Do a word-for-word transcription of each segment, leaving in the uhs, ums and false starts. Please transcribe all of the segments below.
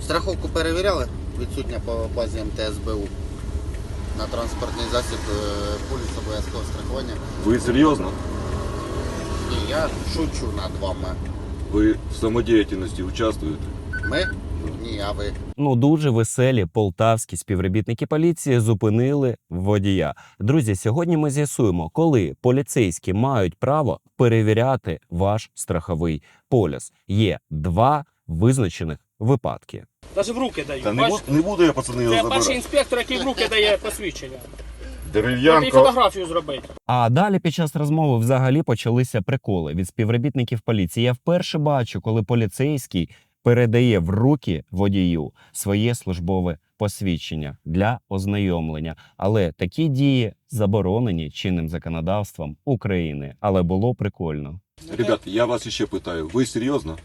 Страховку перевіряли? Відсутня по базі ем те ес бе у. На транспортний засіб поліс обов'язкового страхування. Ви серйозно? Ні, я шучу над вами. Ви в самодіяльності участвуєте? Ми? Ні, а ви? Ну, дуже веселі полтавські співробітники поліції зупинили водія. Друзі, сьогодні ми з'ясуємо, коли поліцейські мають право перевіряти ваш страховий поліс. Є два визначених випадки. Навіть в руки дають. Та не, бу- не буду я, пацани, його Це перший забирати. інспектор, який в руки дає посвідчення. І Дерев'янко. фотографію зробити. А далі під час розмови взагалі почалися приколи від співробітників поліції. Я вперше бачу, коли поліцейський передає в руки водію своє службове посвідчення для ознайомлення. Але такі дії заборонені чинним законодавством України. Але було прикольно. Ребята, я вас ще питаю, ви серйозно?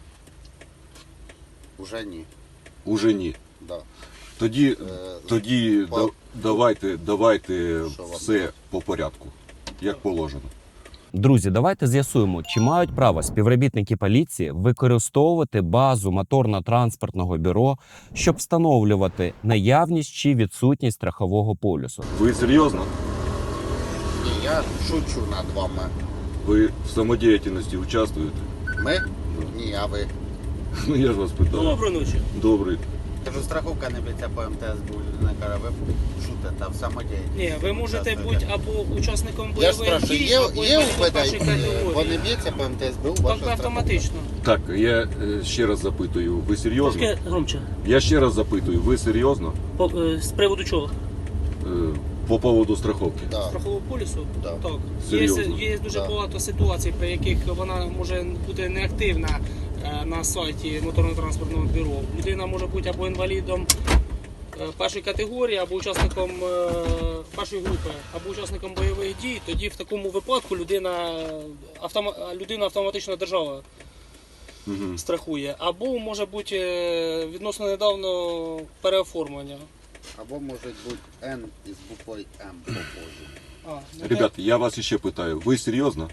Уже ні. Уже ні. Да. Тоді, Е, тоді по- да- давайте, давайте Що вам? все по порядку, як положено. Друзі, давайте з'ясуємо, чи мають право співробітники поліції використовувати базу моторно-транспортного бюро, щоб встановлювати наявність чи відсутність страхового полюсу. Ви серйозно? Ні, я шучу над вами. Ви в самодіяльності участвуєте? Ми? Ні, а ви? Ну я ж вас питаю. Доброї ночі. Добрий. Кажу, страховка не б'ється по ем те ес бе у. Людина каже, ви шутите в самодіяльності. Ні, ви можете бути або учасником Я ж бойових спрашиваю, дій, є, або є у інвалідом першої Вони категорії. б'ється по ем те ес бе у Так, ваша страховка? автоматично. Так, я е, ще раз запитую, ви серйозно? Трошки громче. Я ще раз запитую, ви серйозно? По, е, з приводу чого? Е, По поводу страховки. Да. Страхового полісу? Да. Так. Серйозно? Є, є дуже Да. багато ситуацій, при яких вона може бути неактивна е, на сайті моторно-транспортного бюро. Людина може бути або інвалідом е, першої категорії, або учасником е, першої групи, або учасником бойових дій. Тоді в такому випадку людина, автома, людина автоматично держава Угу. страхує. Або може бути е, відносно недавно переоформлення. Або може бути Н із буквою М попозже. А, ну, Ребята, я вас ще питаю, ви серйозно?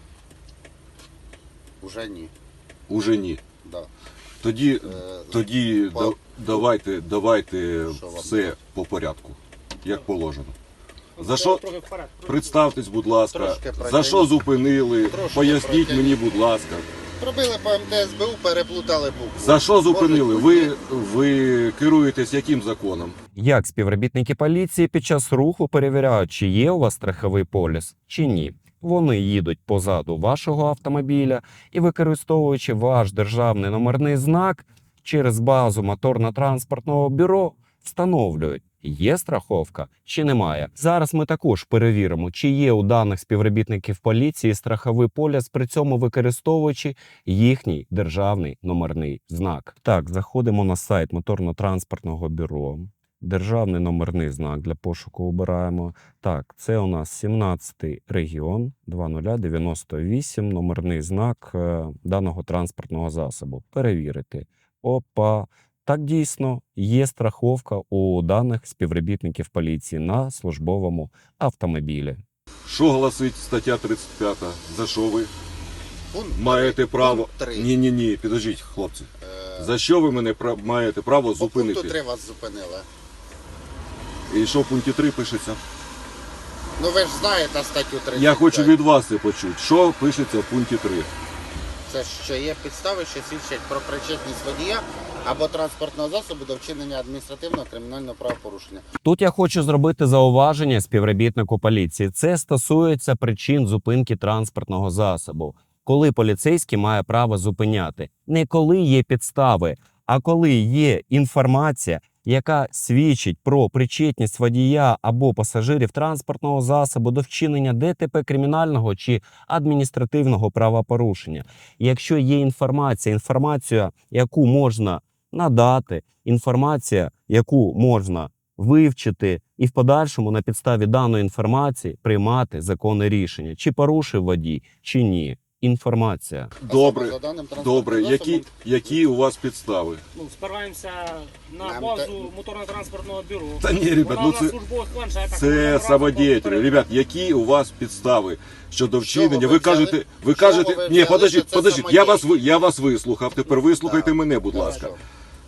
Уже ні. Уже ні. Да. Тоді, Е, тоді по- да- давайте, давайте Що вам? все по порядку, як положено. ну, За це що? трохи вперед. Представтесь, будь ласка, Трошки за пройдемо. що зупинили, Трошки поясніть пройдемо. мені, будь ласка. Пробили по ем те ес бе у, переплутали букву. За що зупинили? Може Ви, бути- ви керуєтесь яким законом? Як співробітники поліції під час руху перевіряють, чи є у вас страховий поліс, чи ні. Вони їдуть позаду вашого автомобіля і, використовуючи ваш державний номерний знак, через базу моторно-транспортного бюро встановлюють, є страховка чи немає. Зараз ми також перевіримо, чи є у даних співробітників поліції страховий поліс, при цьому використовуючи їхній державний номерний знак. Так, заходимо на сайт моторно-транспортного бюро. Державний номерний знак для пошуку обираємо. Так, це у нас сімнадцятий регіон, два нуль дев'яносто вісім, номерний знак е, даного транспортного засобу. Перевірити. Опа. Так, дійсно, є страховка у даних співробітників поліції на службовому автомобілі. Що гласить стаття тридцять п'ята? За що ви Пункт маєте три. право? Пункт три. Ні, ні, ні, підождіть, хлопці. Е, За що ви мене пра- маєте право По пункту зупинити? три вас зупинили. І що в пункті три пишеться? Ну ви ж знаєте статтю тридцять. Я хочу від вас це почути. Що пишеться в пункті три? Це що є підстави, що свідчать про причетність водія або транспортного засобу до вчинення адміністративного кримінального правопорушення. Тут я хочу зробити зауваження співробітнику поліції. Це стосується причин зупинки транспортного засобу. Коли поліцейський має право зупиняти. Не коли є підстави, а коли є інформація, яка свідчить про причетність водія або пасажирів транспортного засобу до вчинення де те пе кримінального чи адміністративного правопорушення. Якщо є інформація, інформація, яку можна надати, інформація, яку можна вивчити і в подальшому на підставі даної інформації приймати законне рішення, чи порушив водій, чи ні. Інформація. Добре, За даним транспортним добре. Які, засобом, які у вас підстави? Ну, спираємося на Нам базу те- моторно-транспортного бюро. Та ні, ребят, Вона ну на це, службових планшетах, вона це разом самодіятелі. перед- Ребят, які у вас підстави щодо вчинення? ви Ви взяли? кажете, ви З чого кажете, ви ні, взяли, подождіть, що це подождіть, я вас, ви- самодіяльність? я вас вислухав, тепер вислухайте Так, мене, будь хорошо. ласка.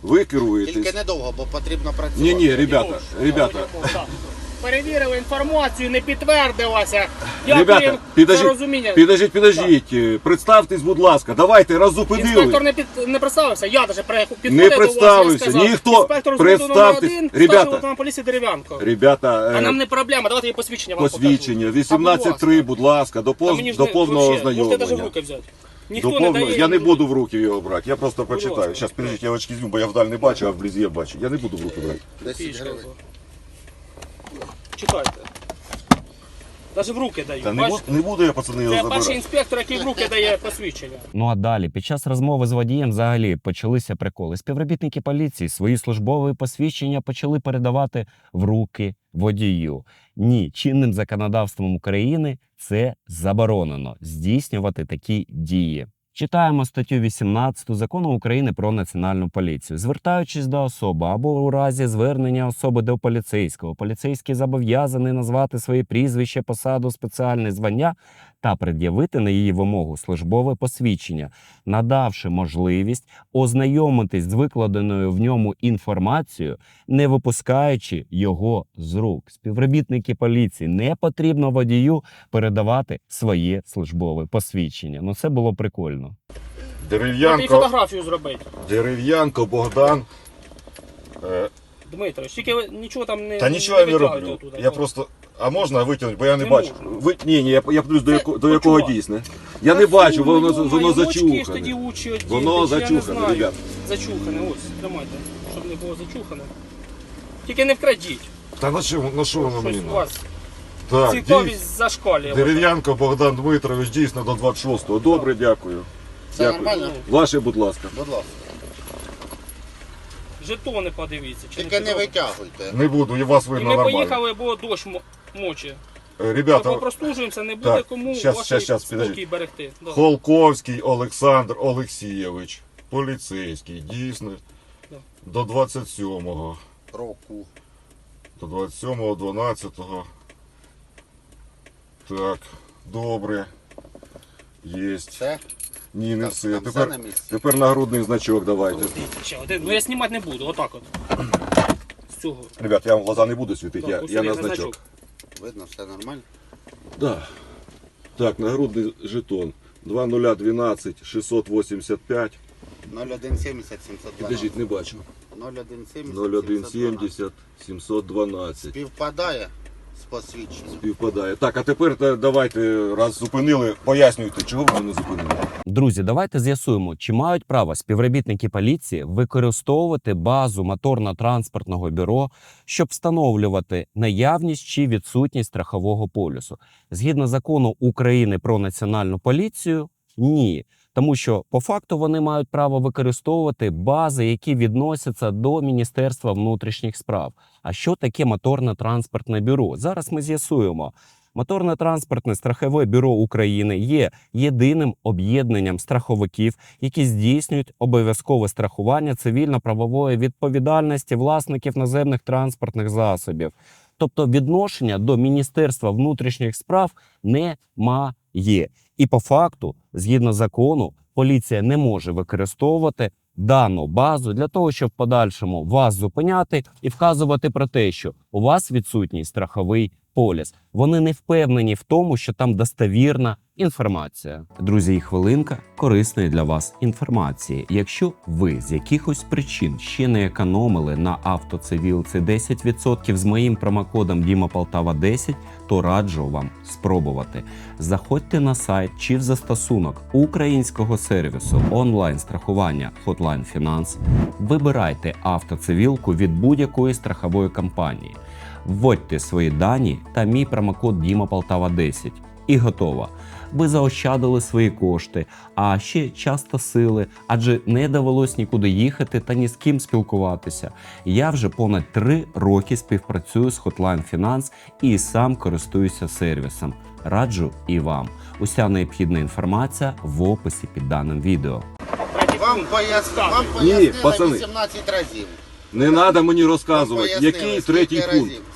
Ви керуєтесь. Тільки недовго, бо потрібно працювати. Ні, ні, ребята, Йош, ребята. так. Перевірили інформацію, не підтвердилася. Ребята, Дякую за підождіть, розуміння. підождіть, підождіть. Представтесь, будь ласка, давайте раз Інспектор зупинили. не, під, не представився, я навіть підходив Не до вас, представився, я сказав, ніхто. інспектор з номер Представтесь. один, Ребята. старший лейтенант поліції Дерев'янко. Ребята, А е, нам не проблема, давайте її посвідчення вам посвідчення, покажу. вісімнадцять три, будь ласка, до, Та пов- мені ж до не- повного вообще, Можете навіть в ознайомлення. руки взяти. До Ніхто не повного... дає. Я не буду в руки його брати, я просто Будь прочитаю. ласка. Зараз, підождіть, я очки візьму, бо я вдаль не бачу, а вблизі я бачу. Я не буду в руки брати. десять гривень. Читайте. Навіть в руки дають. Та не, Бачите? буду, не буду я, пацани, його Це перший забирати. інспектор, який в руки дає посвідчення. Ну а далі, під час розмови з водієм, взагалі почалися приколи. Співробітники поліції свої службові посвідчення почали передавати в руки водію. Ні, чинним законодавством України це заборонено здійснювати такі дії. Читаємо статтю вісімнадцяту Закону України про національну поліцію. Звертаючись до особи або у разі звернення особи до поліцейського, поліцейський зобов'язаний назвати своє прізвище, посаду, спеціальне звання та пред'явити на її вимогу службове посвідчення, надавши можливість ознайомитись з викладеною в ньому інформацією, не випускаючи його з рук. Співробітники поліції, не потрібно водію передавати своє службове посвідчення. Ну це було прикольно. І Дерев'янко, фотографію зробити. Дерев'янко, Богдан. Е, Дмитрович, тільки ви нічого там не Та нічого я не витягуйте роблю. оттуда. Я просто. А можна витягнути, бо я не, Не бачу. можна. Ви... Ні, ні, я, я подивлюсь, до, Це яко... до якого почувак. дійсне. Я не Та бачу, фу, воно, йо-моє, воно очки ж тоді зачухане. учі одіти, Воно я не зачухане, знаю. ребят. Зачухане, ось, тримайте, щоб не було зачухане. Тільки не вкрадіть, Та на що, на що воно мені щось у надо? вас Так, цікавість дій- зашкалює. Дерев'янко Богдан Дмитрович, дійсно до двадцять шостого. Добре, дякую. Це Дякую. нормально? Ваше, будь ласка. Будь ласка. Жетони подивіться. Чи Тільки не підробите. витягуйте. Не буду, і вас І видно ми нормально. поїхали, бо дощ мо- мочить. Е, Ми Ребята, попрослужуємося, не буде Так, кому щас, ваш щас, щас, спокій підождіть. берегти. Да. Холковський Олександр Олексійович, поліцейський, дійсно, Да. до двадцять сьомого. Року. До двадцять сьомого, дванадцятого. Так, добре. Єсть. Все? Ні, не Так, все. там все Тепер, на місці. тепер нагрудний значок давайте. Ще один. Ну я знімати не буду, отак от. З цього. Ребят, я вам в глаза не буду світити, Так, я, ось я є на значок. значок. Видно, все нормально? Да. Так, нагрудний жетон. два нуль дванадцять шістсот вісімдесят п'ять. нуль один сімдесят сімсот дванадцять. Підождіть, не бачу. нуль один сімдесят нуль один сімсот дванадцять. сімдесят сімсот дванадцять. Співпадає з посвідченням. Співпадає. Так, а тепер та- давайте, раз зупинили, пояснюйте, чого ви мене зупинили. Друзі, давайте з'ясуємо, чи мають право співробітники поліції використовувати базу моторно-транспортного бюро, щоб встановлювати наявність чи відсутність страхового полюсу. Згідно закону України про національну поліцію, ні. Тому що по факту вони мають право використовувати бази, які відносяться до Міністерства внутрішніх справ. А що таке моторно-транспортне бюро? Зараз ми з'ясуємо. Моторно-транспортне страхове бюро України є єдиним об'єднанням страховиків, які здійснюють обов'язкове страхування цивільно-правової відповідальності власників наземних транспортних засобів. Тобто відношення до Міністерства внутрішніх справ немає. І по факту, згідно закону, поліція не може використовувати дану базу для того, щоб в подальшому вас зупиняти і вказувати про те, що у вас відсутній страховий поліс. Вони не впевнені в тому, що там достовірна інформація. Друзі, і хвилинка корисної для вас інформації. Якщо ви з якихось причин ще не економили на автоцивілці десять відсотків з моїм промокодом Діма Полтава десять, то раджу вам спробувати. Заходьте на сайт чи в застосунок українського сервісу онлайн-страхування Hotline Finance, вибирайте автоцивілку від будь-якої страхової компанії, вводьте свої дані та мій промокод Діма Полтава десять. І готово. Ви заощадили свої кошти, а ще час та сили, адже не довелось нікуди їхати та ні з ким спілкуватися. Я вже понад три роки співпрацюю з Hotline Finance і сам користуюся сервісом. Раджу і вам. Уся необхідна інформація в описі під даним відео. Третій Вам пункт. пояс... Так. Вам Ні, пояснили пацани. вісімнадцять разів. Не треба мені Вам розказувати, пояснили, який скільки третій разів. пункт.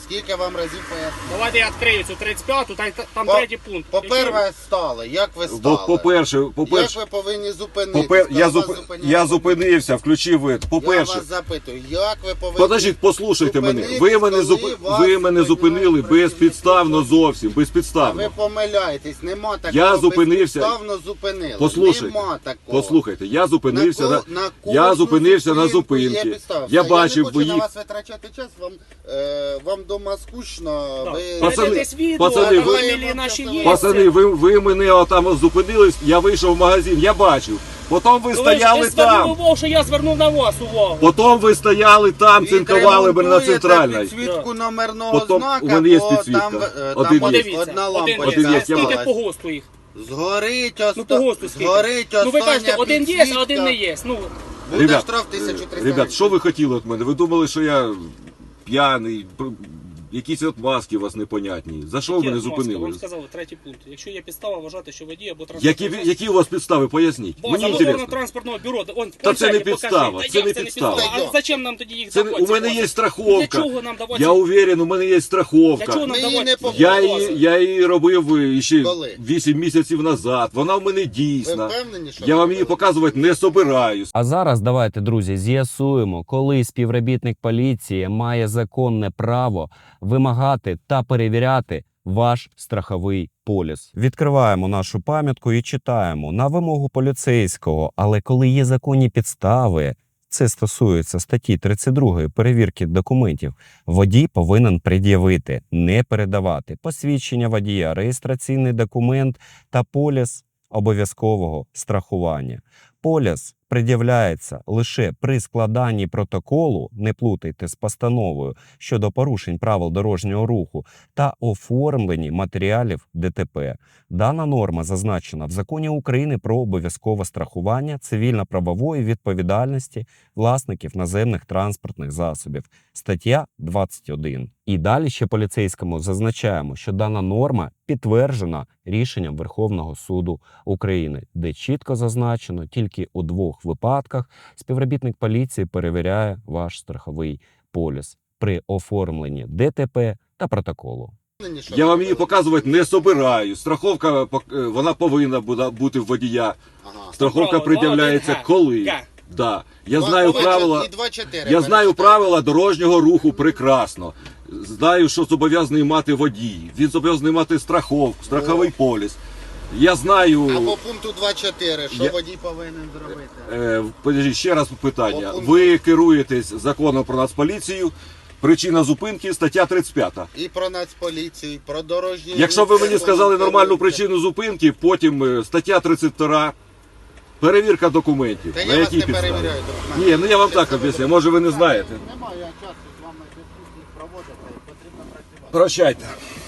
Скільки вам разів пояснив? Давайте я відкрию цю тридцять п'яту, там, там По- третій пункт. По-перше, стали. Як ви Бо, стали? по-перше, Як по-перше, ви повинні зупинитися? попер... коли я, вас зуп... зупиняє я водій? зупинився, включив вид. Я По-перше, вас запитую, як ви повинні... подождіть, послухайте мене. Ви зупинитись, мене, зуп... коли вас ви мене зупинили зупиняють безпідставно працівники? зовсім, А безпідставно. ви помиляєтесь, нема такого. Я зупинився- безпідставно зупинили. Послухайте, Нема такого. Послухайте, я зупинився на, ко- на я кожну зупинився на зупинку є зупинці. підстава. Я Все, бачив, я не хочу ви на вас витрачати час, вам, е, вам дома скучно. Так. Ви... Пацани, Дивитесь відео, пацани, а ви- фамілії наші є. Пацани, ви, ви мене отам зупинились, я вийшов в магазин, я бачив. Потім ви Ну, ви ж- стояли ви звернули там. увагу, що я звернув на вас увагу. Потім ви стояли там, цинкували мене на центральній. підсвітку номерного Потім знака, у мене є бо підсвітка. там, е, Один там є. Подивіться, одна один лампочка є, є. я Скільки осталась. по ГОСТу їх? Згорить, Ну по оста... ГОСТу скільки? згорить Ну ви остання кажете, один є, а підсвітка. один не є. Ну, Буде Ребят, штраф тисяча триста. Ребят, що ви хотіли від мене? Ви думали, що я п'яний, пр- якісь отмазки у вас непонятні. За що ви Які мене отмазки? зупинили? Вам сказали, третій пункт. Якщо є підстава вважати, що водій або Які, транспортний засіб- які у вас підстави? Поясніть. База Мені моторного інтересно. транспортного бюро. Он, в Та це не планшеті підстава, покажи. це Та не як підстава. А зачем нам тоді їх Це, давати? у мене ці є бази? страховка. Для чого нам давати? Я уверен, у мене є Для чого страховка. нам Ми її давати? не ці побачили. Я бази? її, я її робив е, ще Коли? вісім місяців назад. Вона в мене Ви дійсна. впевнені, що Я ви вам її робили? показувати не собираюсь. А зараз давайте, друзі, з'ясуємо, коли співробітник поліції має законне право вимагати та перевіряти ваш страховий поліс. Відкриваємо нашу пам'ятку і читаємо на вимогу поліцейського, але коли є законні підстави, це стосується статті тридцять другої перевірки документів, водій повинен пред'явити, не передавати посвідчення водія, реєстраційний документ та поліс обов'язкового страхування. Поліс пред'являється лише при складанні протоколу, не плутайте з постановою щодо порушень правил дорожнього руху та оформленні матеріалів ДТП. Дана норма зазначена в Законі України про обов'язкове страхування цивільно-правової відповідальності власників наземних транспортних засобів. Стаття двадцять один. І далі ще поліцейському зазначаємо, що дана норма підтверджена рішенням Верховного суду України, де чітко зазначено, тільки у двох випадках співробітник поліції перевіряє ваш страховий поліс при оформленні ДТП та протоколу. Впевнені, що Я ви вам її робили? показувати не собираюсь. Страховка пок- е, вона повинна буда- бути в водія. Ага. Страховка Право, пред'являється два, один, коли. Г. Да. Я Два- знаю два- правила. і два чотири Я знаю перечитайте. правила дорожнього руху прекрасно. Знаю, що зобов'язаний мати водій. Він зобов'язаний мати страховку, страховий поліс. Я знаю. А по пункту два чотири, що Я- водій повинен зробити? Е, подождіть, ще раз питання. По пункту. Ви керуєтесь законом про Нацполіцію. Причина зупинки стаття тридцять п'ята. І про Нацполіцію, і про дорожні... Якщо ви мені рухи, сказали нормальну керуєте. причину зупинки, потім е, стаття тридцять два. Перевірка документів. Та На я вас якій не підставі? перевіряю документи. Ні, ну я вам Це так все об'ясню. ви- Може ви не знаєте. Немає часу з вами дискусії проводити, потрібно працювати. Прощайте.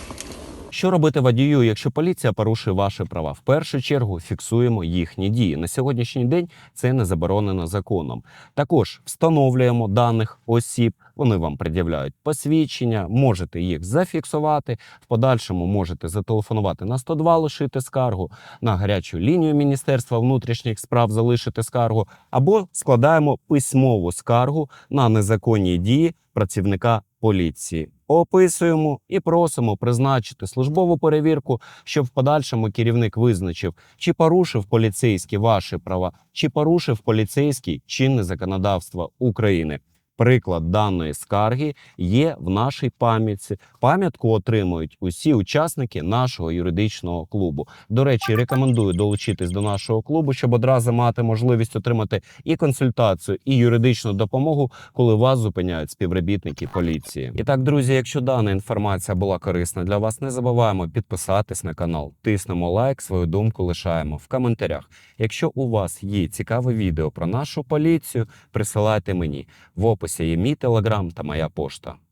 Що робити водію, якщо поліція порушує ваші права? В першу чергу фіксуємо їхні дії. На сьогоднішній день це не заборонено законом. Також встановлюємо даних осіб, вони вам пред'являють посвідчення, можете їх зафіксувати, в подальшому можете зателефонувати на сто два, лишити скаргу, на гарячу лінію Міністерства внутрішніх справ залишити скаргу, або складаємо письмову скаргу на незаконні дії працівника поліції. Описуємо і просимо призначити службову перевірку, щоб в подальшому керівник визначив, чи порушив поліцейський ваші права, чи порушив поліцейський чинне законодавство України. Приклад даної скарги є в нашій пам'ятці. Пам'ятку отримують усі учасники нашого юридичного клубу. До речі, рекомендую долучитись до нашого клубу, щоб одразу мати можливість отримати і консультацію, і юридичну допомогу, коли вас зупиняють співробітники поліції. І так, друзі, якщо дана інформація була корисна для вас, не забуваємо підписатись на канал, тиснемо лайк, свою думку лишаємо в коментарях. Якщо у вас є цікаве відео про нашу поліцію, присилайте мені. В описі є мій телеграм та моя пошта.